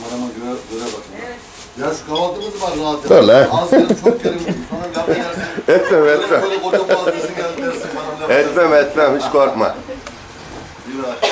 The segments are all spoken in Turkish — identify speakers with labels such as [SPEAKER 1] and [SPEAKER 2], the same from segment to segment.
[SPEAKER 1] Kamerama göre bakın. Evet. Ya şu kahvaltımız var rahat.
[SPEAKER 2] Öyle.
[SPEAKER 1] Az yerim çok yerim. Sana laf edersin.
[SPEAKER 2] Etmem.
[SPEAKER 1] Böyle koca boğazlısın geldi dersin bana laf
[SPEAKER 2] Etmem hiç korkma.
[SPEAKER 1] Bir var.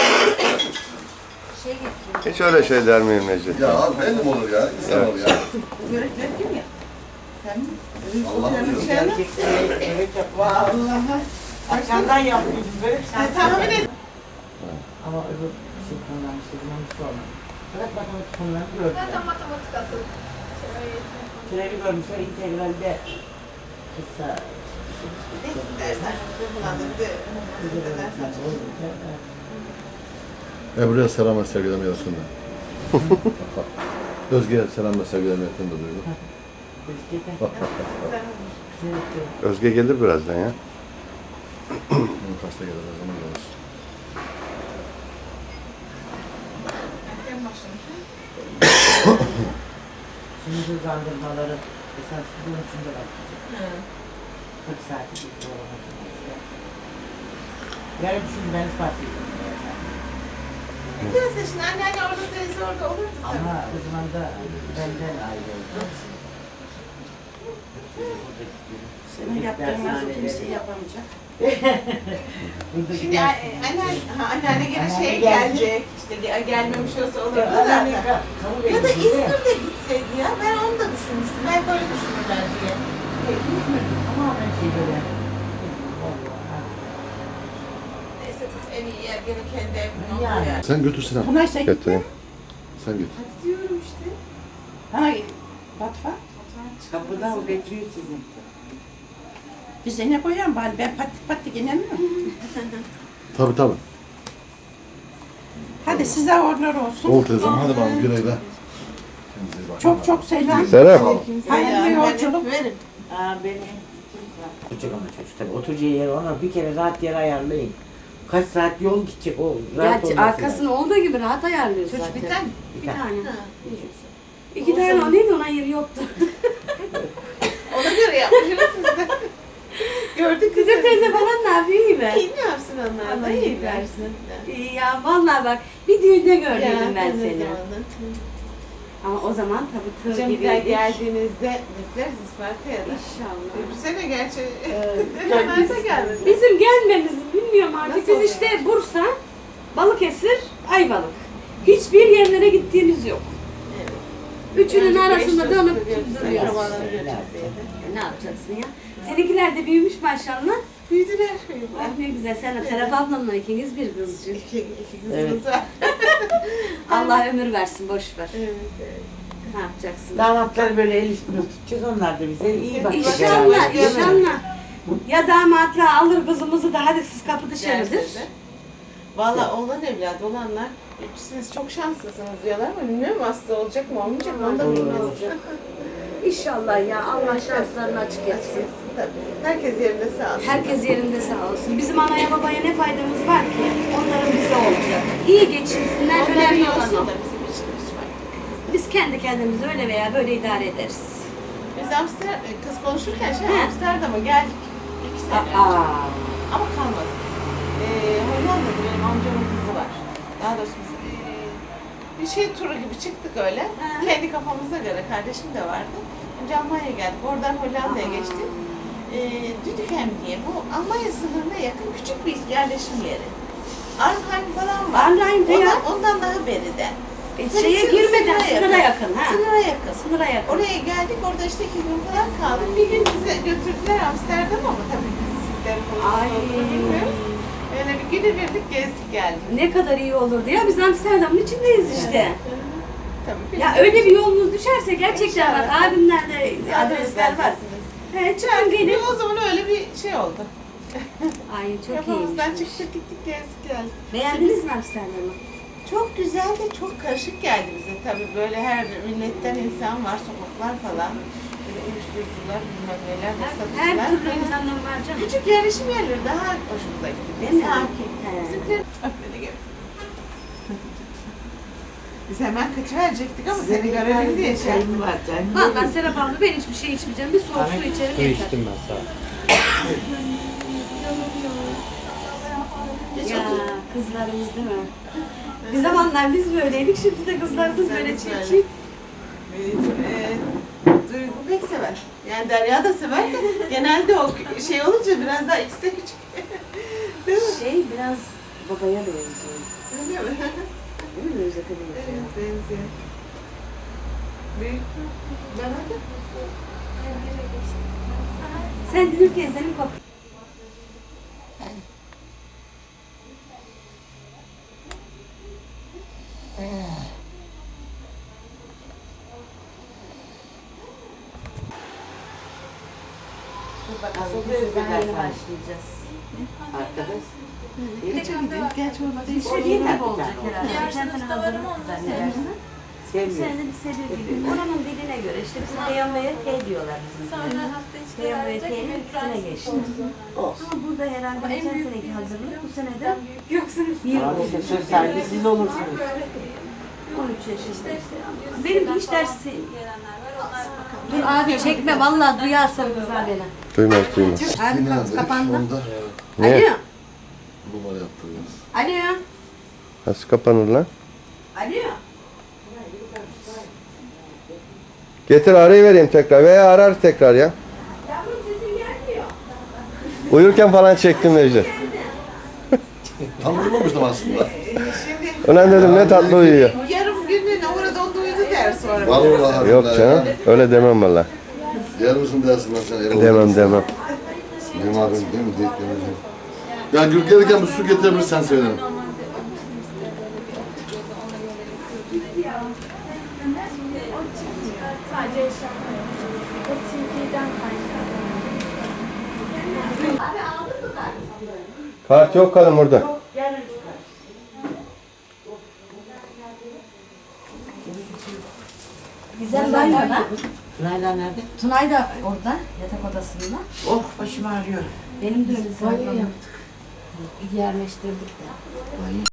[SPEAKER 2] Hiç öyle şey der miyim Necdet?
[SPEAKER 1] Ya abi belli mi olur ya? İnsan olur ya.
[SPEAKER 3] Börekler kim ya? Sen mi?
[SPEAKER 1] Allah'ım diyorum.
[SPEAKER 3] Evet yap. Vallahi. Akşamdan yapıyordum börek. Sen tahmin et. Ama öbür şey konudan işte dinamik olmadı. Bırak matematik konularını gördüm.
[SPEAKER 4] Zaten matematik asıl.
[SPEAKER 3] Türevi görmüşler integralde. Kısa.
[SPEAKER 4] Dersler kullandığı
[SPEAKER 1] Ebru'ya selam ve sevgilerimi yazsın da. Özge'ye selam ve sevgilerimi yakın da duydum.
[SPEAKER 2] Özge gelir birazdan ya.
[SPEAKER 1] Kaçta gelir o zaman gelir.
[SPEAKER 3] Şimdi hızlandırmaları esas bunun için de bakacağım. 40 saati bir doğramasın. Yarın şimdi ben ispat edeyim.
[SPEAKER 4] Neyse şimdi anneanne orada teyze orada olurdu tabii.
[SPEAKER 3] Ama o zaman da benden ayrı oldu.
[SPEAKER 5] Senin yaptığın nasıl kimse yapamayacak.
[SPEAKER 4] Şimdi anneanne gene şey gelecek. İşte gelmemiş olsa olurdu da. Ya da İzmir'de gitseydi ya. Ben onu da düşünmüştüm. Belki öyle düşünürler diye.
[SPEAKER 3] Ama ben şey böyle.
[SPEAKER 4] Neyse en iyi yer gene kendi evin oldu
[SPEAKER 3] Yani.
[SPEAKER 4] yani.
[SPEAKER 1] Sen götür Sinan.
[SPEAKER 5] Bunlar sen
[SPEAKER 2] Götüreyim.
[SPEAKER 1] Sen git.
[SPEAKER 4] Hadi diyorum işte.
[SPEAKER 5] Ha, Batfa.
[SPEAKER 3] Kapıda o bekliyor sizi.
[SPEAKER 5] Biz ne koyalım bari ben patlık inemiyorum.
[SPEAKER 1] Tabii tabii.
[SPEAKER 5] Hadi size uğurlar olsun.
[SPEAKER 1] Ol teyzem hadi bakalım güle güle.
[SPEAKER 5] Çok çok selam.
[SPEAKER 2] Serap.
[SPEAKER 5] Hayırlı yolculuk.
[SPEAKER 4] Verin.
[SPEAKER 3] Aa benim. Çocuk ama çocuk tabii oturacağı yeri ona bir kere rahat yer ayarlayın. Kaç saat yol gidecek o rahat olması
[SPEAKER 6] arkasını olduğu gibi rahat ayarlıyoruz
[SPEAKER 4] Çocuk
[SPEAKER 6] zaten.
[SPEAKER 4] bir tane.
[SPEAKER 6] Bir tane.
[SPEAKER 4] Ha.
[SPEAKER 6] İki tane o neydi ona yeri yoktu.
[SPEAKER 4] Ona göre yapmışsınız siz de. Gördük
[SPEAKER 6] Kızım teyze falan ne yapıyor iyi be?
[SPEAKER 4] İyi ne yapsın onlar da
[SPEAKER 6] Allah
[SPEAKER 4] iyi
[SPEAKER 6] iyi
[SPEAKER 4] versin.
[SPEAKER 6] İyi ya vallahi bak bir düğünde gördüm ben
[SPEAKER 4] ne
[SPEAKER 6] seni.
[SPEAKER 4] zamanı.
[SPEAKER 6] Ama o zaman tabii tır
[SPEAKER 4] Hocam bir
[SPEAKER 6] gibi.
[SPEAKER 4] daha geldiğinizde bekleriz Isparta'ya da.
[SPEAKER 6] İnşallah.
[SPEAKER 4] Bu sene gerçi hemen de geldiniz.
[SPEAKER 6] Bizim gelmemiz bilmiyorum artık.
[SPEAKER 4] Nasıl
[SPEAKER 6] Biz
[SPEAKER 4] oluyor?
[SPEAKER 6] işte Bursa, Balıkesir, Ayvalık. Hiçbir yerlere gittiğimiz yok. Üçünün arasında dönüp duruyoruz. Ne yapacaksın ya? Seninkiler de büyümüş maşallah.
[SPEAKER 4] Büyüdüler.
[SPEAKER 6] Ah ne güzel. Sen de Serap ablamla ikiniz bir kızcık.
[SPEAKER 4] İki kızımız var.
[SPEAKER 6] Allah ömür versin, boş ver.
[SPEAKER 4] Evet.
[SPEAKER 6] Ne yapacaksın?
[SPEAKER 3] Damatları böyle el üstüne tutacağız onlar da bize iyi bakacak.
[SPEAKER 6] İnşallah, inşallah. Ya damatla alır kızımızı da hadi siz kapı dışarıdır.
[SPEAKER 4] Derslerde. Valla oğlan evladı olanlar siz çok şanslısınız diyorlar ama bilmiyorum hasta olacak mı olmayacak mı onu da bilmez.
[SPEAKER 6] İnşallah ya Allah şanslarını açık etsin.
[SPEAKER 4] Tabii. Herkes yerinde sağ olsun.
[SPEAKER 6] Herkes yerinde sağ olsun. Bizim anaya babaya ne faydamız var ki? Onların bize olacak. İyi geçinsinler,
[SPEAKER 4] Onlar
[SPEAKER 6] önemli
[SPEAKER 4] iyi
[SPEAKER 6] olan
[SPEAKER 4] olsun
[SPEAKER 6] o.
[SPEAKER 4] da bizim için hiç fark etmez.
[SPEAKER 6] Biz kendi kendimizi öyle veya böyle idare ederiz.
[SPEAKER 4] Biz kız konuşurken
[SPEAKER 6] He.
[SPEAKER 4] Amsterdam'a geldik 2 sene önce.
[SPEAKER 6] Aa.
[SPEAKER 4] Ama kalmadık. Hollanda'da benim amcamın kızı var. Daha doğrusu biz bir şey turu gibi çıktık öyle.
[SPEAKER 6] He.
[SPEAKER 4] Kendi kafamıza göre kardeşim de vardı. Önce Almanya'ya geldik. Oradan Hollanda'ya geçtik. Düdükem diye bu Almanya sınırına yakın küçük bir yerleşim yeri. Arnhem falan var.
[SPEAKER 6] Arnhem'de ya.
[SPEAKER 4] Ondan daha beriden.
[SPEAKER 6] Şeye girmeden sınıra yakın ha.
[SPEAKER 4] Sınıra yakın.
[SPEAKER 6] Sınıra yakın.
[SPEAKER 4] Oraya geldik, orada işte 2 gün falan kaldık. Bir gün bize götürdüler Amsterdam'a ama tabii bizimkileri
[SPEAKER 6] Ay.
[SPEAKER 4] falan bilmiyoruz. Öyle bir günübirlik gezdik geldik.
[SPEAKER 6] Ne kadar iyi olurdu ya biz Amsterdam'ın içindeyiz işte.
[SPEAKER 4] Tabii.
[SPEAKER 6] Ya öyle bir yolunuz düşerse gerçekten bak
[SPEAKER 4] İnşallah.
[SPEAKER 6] abimlerde adresler var. He çıkın gelin.
[SPEAKER 4] O zaman öyle bir şey oldu.
[SPEAKER 6] Ay çok
[SPEAKER 4] Kafamızdan
[SPEAKER 6] iyiymiş.
[SPEAKER 4] çıktık gittik gezdik geldik.
[SPEAKER 6] Beğendiniz mi Amsterdam'ı?
[SPEAKER 4] Çok güzel de çok karışık geldi bize tabii. Böyle her milletten insan var, sokaklar falan. Böyle uyuşturucular, bilmem neler,
[SPEAKER 6] Her
[SPEAKER 4] satıcılar.
[SPEAKER 6] türlü insanlar var canım.
[SPEAKER 4] Küçük yerleşim yerleri daha hoşumuza gitti.
[SPEAKER 6] Değil mi?
[SPEAKER 4] Sakin.
[SPEAKER 6] He.
[SPEAKER 4] Bizimkiler öpmedi gibi. Biz hemen kaçıverecektik ama seni görelim diye şey.
[SPEAKER 3] Çayım var canım.
[SPEAKER 6] Vallahi Serap abla ben hiçbir şey içmeyeceğim. Bir soğuk su içerim
[SPEAKER 7] Su
[SPEAKER 6] yeter.
[SPEAKER 7] içtim ben sağ ol.
[SPEAKER 4] Geç
[SPEAKER 6] Ya
[SPEAKER 4] otur.
[SPEAKER 6] Kızlarımız değil mi? Bir zamanlar biz böyleydik, şimdi de kızlarımız böyle çift çift.
[SPEAKER 4] Duygu pek sever. Yani Derya da sever de genelde o şey olunca biraz daha ikisi de küçük. Değil mi?
[SPEAKER 6] Şey biraz babaya benziyor.
[SPEAKER 4] Öyle mi?
[SPEAKER 6] Değil mi Özlem benziyor?
[SPEAKER 4] Evet, benziyor. Büyük mü? Ben öyle.
[SPEAKER 6] Sen Dünür teyzenin kopya.
[SPEAKER 3] Asıl
[SPEAKER 6] Daha yeni
[SPEAKER 3] biz
[SPEAKER 6] başlayacağız.
[SPEAKER 3] arkadaş.
[SPEAKER 4] Geç olmadı.
[SPEAKER 6] Bir sürü yemek olacak herhalde. Geçen sene hazırlık zannedersin. Bu
[SPEAKER 3] Sevmiyorum.
[SPEAKER 6] sene de bir sebebi gibi. Oranın diline göre işte bizim Peygamber'e T diyorlar bizim. Peygamber'e T'nin ikisine geçti.
[SPEAKER 3] Olsun.
[SPEAKER 6] Ama burada herhalde geçen seneki hazırlık bu sene de bir
[SPEAKER 3] Abi işte söz sahibi siz olursunuz.
[SPEAKER 6] 13 yaşında işte. Benim hiç dersi... Dur abi çekme vallahi duyarsan kızar beni.
[SPEAKER 2] Duymaz duymaz.
[SPEAKER 6] Abi kapandı.
[SPEAKER 1] Onda
[SPEAKER 2] Niye?
[SPEAKER 6] Alo.
[SPEAKER 1] numara yaptırıyoruz.
[SPEAKER 6] Alo.
[SPEAKER 2] Nasıl kapanır lan?
[SPEAKER 6] Alo.
[SPEAKER 2] Getir arayı vereyim tekrar veya arar tekrar ya.
[SPEAKER 6] Yavrum sesin gelmiyor.
[SPEAKER 2] Uyurken falan çektim Necdet.
[SPEAKER 1] Tam durmamıştım aslında.
[SPEAKER 4] Şimdi
[SPEAKER 2] Ulan dedim ne tatlı uyuyor.
[SPEAKER 4] yarım günlüğüne orada onu uyudu der sonra.
[SPEAKER 1] Vallahi
[SPEAKER 2] Yok
[SPEAKER 1] billahi
[SPEAKER 2] canım
[SPEAKER 1] ya.
[SPEAKER 2] öyle demem valla.
[SPEAKER 1] Yer misin dersin ben sana.
[SPEAKER 2] Demem demem.
[SPEAKER 1] Benim abim değil mi? Değil demeyeceğim. Ya Gül gelirken bir su getirebilirsen sevinirim.
[SPEAKER 7] Sadece yaşamıyor. O CD'den kaynaklı.
[SPEAKER 2] Kart yok kalın burada.
[SPEAKER 6] Güzel Layla.
[SPEAKER 3] Layla nerede?
[SPEAKER 6] Tunay da orada yatak odasında.
[SPEAKER 3] Oh başım ağrıyor.
[SPEAKER 6] Benim de öyle sağlıklı. Yerleştirdik de.